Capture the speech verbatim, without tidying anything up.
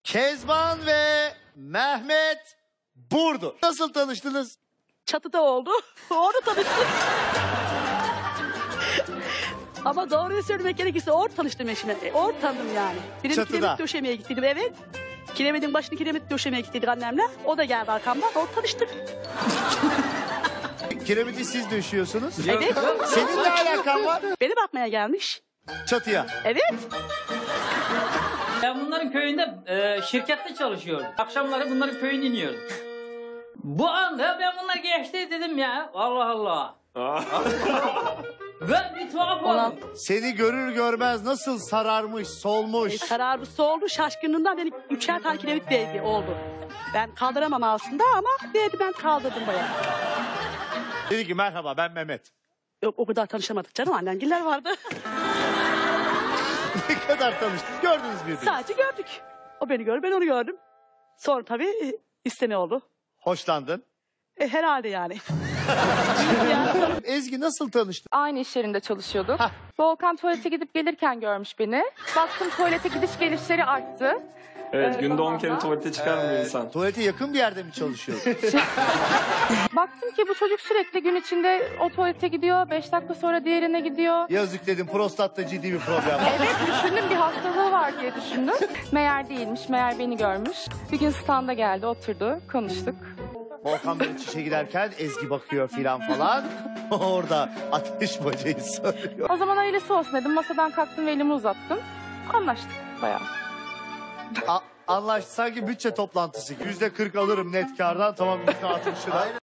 Kezban ve Mehmet Burdu. Nasıl tanıştınız? Çatıda oldu. Orada tanıştık. Ama doğruyu söylemek gerekirse orada tanıştım eşime. E, Orada tanıdım yani. Benim Çatıda. kiremit döşemeye gittiydim, evet. Kiremitin başını kiremit döşemeye gittiydik annemle. O da geldi arkamdan. Orada tanıştık. Kiremiti siz döşüyorsunuz. Evet. Senin ne alakan var? Beni bakmaya gelmiş. Çatıya. Evet. Ben bunların köyünde e, şirkette çalışıyordum. Akşamları bunların köyüne iniyordum. Bu anda ben bunlar geçti dedim ya. Allah Allah. Ben bir tuhaf Olan oldum. Seni görür görmez nasıl sararmış, solmuş. e, kararı soldu. Şaşkınlığından beni üçer tane kiremit değdi oldu. Ben kaldıramam aslında ama değdi, ben kaldırdım bayağı. Dedi ki merhaba ben Mehmet. Yok, o kadar tanışamadık canım, annemgiller vardı. Ne kadar tanıştınız? Gördünüz birbirini. Sadece gördük. O beni gördü, ben onu gördüm. Sonra tabii e, isteme oldu. Hoşlandın. E, herhalde yani. Ezgi nasıl tanıştın? Aynı iş yerinde çalışıyorduk. Hah. Volkan tuvalete gidip gelirken görmüş beni. Baktım tuvalete gidiş gelişleri arttı. Evet, Ee, günde on zamanla- kere tuvalete çıkar mı bir insan? Tuvalete yakın bir yerde mi çalışıyorsun? Baktım ki bu çocuk sürekli gün içinde o tuvalete gidiyor. Beş dakika sonra diğerine gidiyor. Yazık dedim, prostatta ciddi bir problem var. Evet, düşündüm bir hastalığı var diye düşündüm. Meğer değilmiş, meğer beni görmüş. Bir gün standa geldi, oturdu, konuştuk. Volkan Bey çişe giderken Ezgi bakıyor filan falan. Orada ateş bacayı söylüyor. O zaman öylesi olsun dedim. Masadan kalktım ve elimi uzattım. Anlaştık bayağı. A- anlaştık, sanki bütçe toplantısı. Yüzde kırk alırım net kardan, tamam yüzde altmışına.